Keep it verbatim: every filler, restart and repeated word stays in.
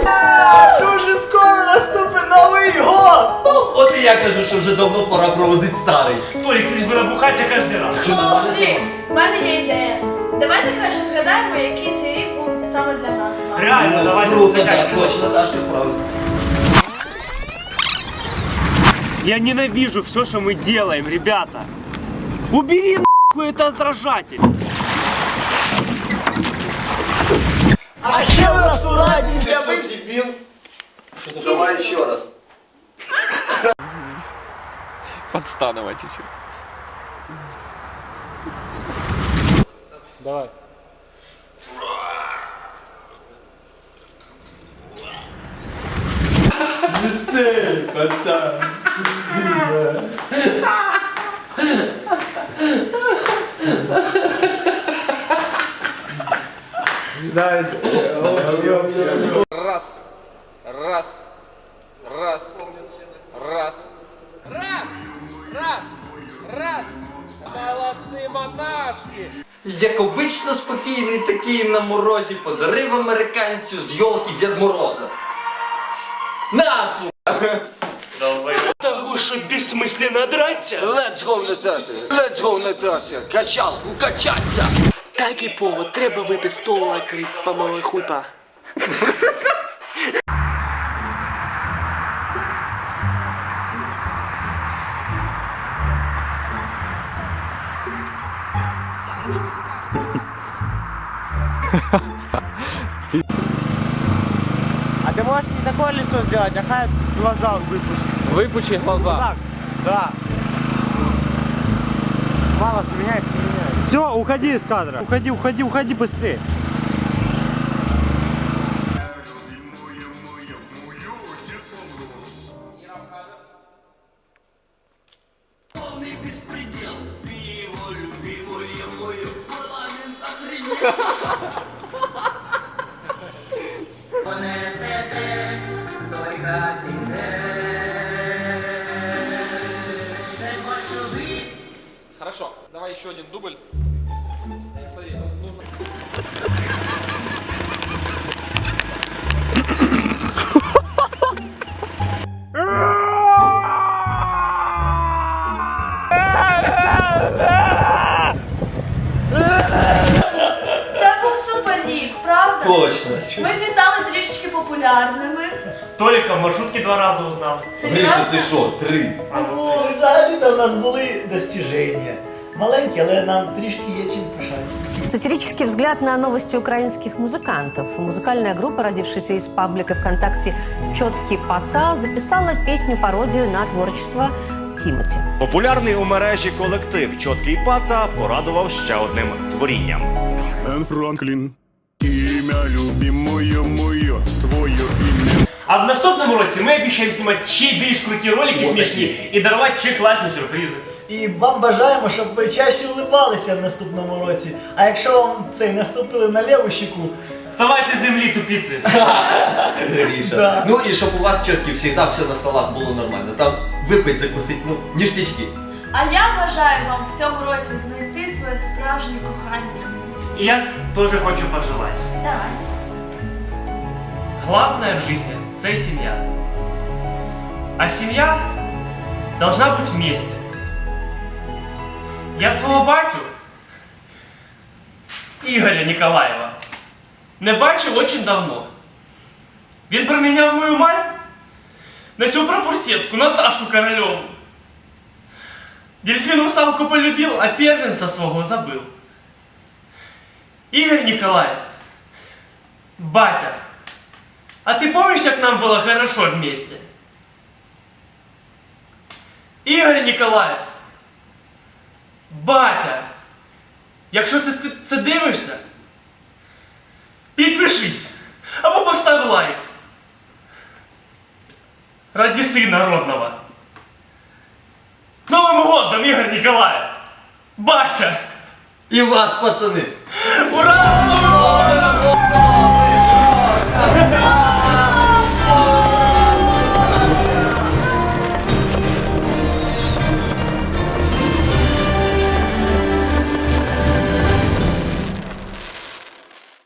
Дуже скоро наступить Новий год! Ну, от і я кажу, що вже давно пора проводити старий. Толік, ти ж буде бухатися кожен раз. Хлопці, в мене є ідея. Давайте краще згадаємо, який цей рік був саме для нас. Реально, давайте Круто, так, згадаємо. точно, Даша, правда. Я ненавижу все, что мы делаем, ребята. Убери нахуй это отражатель. А ще у нас у раді Я дебил. Что-то давай еще раз. Подстанова чуть-чуть. Давай. Весель, пацан. Раз, раз, раз, раз, раз, раз, раз. Молодцы, монашки! Як обично спокійний такий на морозі подарив американцю з йолки Дед Мороза. На, сука! Того, что бессмысленно драться. Let's go летати! Let's go летати! Качалку качаться! Так і повод, треба випити стола, крив, помалий хуйпа. А ты можешь не такое лицо сделать, а хай глаза выпустить. Выпучи глаза. Так, да. Мало меняет, не меняет. Все, уходи из кадра. Уходи, уходи, уходи быстрее. Хорошо, давай еще один дубль. Смотри, тут нужно... Це був супер рік, правда? Точно! Ми всі стали трішечки популярними. Толика в маршрутке два раза узнал. Гриша, ти що, три? А, ну, Ну, взагалі-то в нас були достижения. Маленькі, але нам трішки є чим пишатися. Сатирический взгляд на новости украинских музыкантов. Музыкальная группа, родившаяся из паблика ВКонтакте «Чёткий паца», записала песню-пародию на творчество Тімоті. Популярний у мережі колектив «Чоткий паца» порадував ще одним творінням. Эн Франклин, имя любимое мое, твое имя. А в наступном році ми обіцяємо знімати ще більш круті ролики смішні і дарувати ще класні сюрпризи. І вам бажаємо, щоб ви чаще улибалися в наступному році. А якщо вам цей наступили на ліву щеку, Вставайте з землі, тупиці. Гриша. Да. Ну і щоб у вас чітки завжди все на столах було нормально. Там випить, закусить, ну, ніштячки. А я бажаю вам в цьому році знайти своє справжнє кохання. І я теж хочу пожелати. Давай. Главное в жизни – это семья. А семья должна быть вместе. Я свого батю, Ігоря Ніколаєва, не бачив очень давно. Він проміняв мою мать на цю профурсетку, Наташу Корольову. Дельфин русалку полюбил, а первенца свого забыл. Игорь Николаев, батя, а ты помнишь, как нам было хорошо вместе? Игорь Николаев, батя, якщо ти, ти це дивишся, підпишись або постав лайк. Ради сына родного. С Новым годом, Игорь Николаев! Батя! І вас, пацани! Ура!